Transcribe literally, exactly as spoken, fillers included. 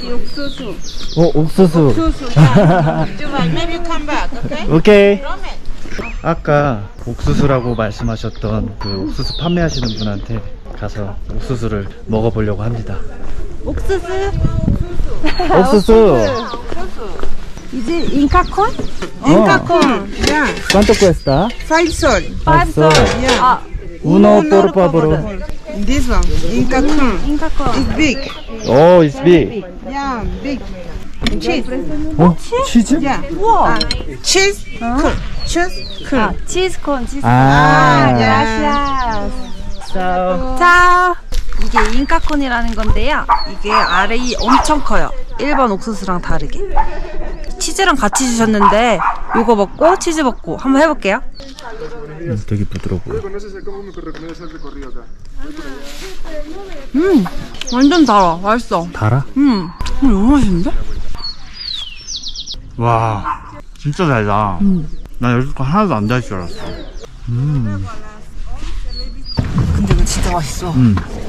옥수수. 어, 옥수수. 옥수수. Maybe come back, okay? 오케이. 아까 옥수수라고 말씀하셨던 그 옥수수 판매하시는 분한테 가서 옥수수를 먹어보려고 합니다. 옥수수. 옥수수. Is it Inca corn? Inca corn. Yeah. ¿Cuánto cuesta? Five sol. Five sol. Yeah. 아, Uno por favor. This one. Inca corn. 인카 거. It's big. 오, it's big. Yeah, big. Cheese. 어? 치즈? Yeah. 우와. Cheese. Cool. Cheese. Cool. 아, 치즈콘, 치즈. 아, gracias. 자, 이게 인카콘이라는 건데요. 이게 알이 엄청 커요. 일반 옥수수랑 다르게. 치즈랑 같이 주셨는데 요거 먹고 치즈 먹고 한번 해볼게요. 음, 되게 부드러워 보여. 음, 완전 달아. 맛있어. 달아? 음, 음 너무 맛있는데? 와, 진짜 달다. 음. 나 여기서 하나도 안 달 줄 알았어. 음. 근데 이거 진짜 맛있어. 음.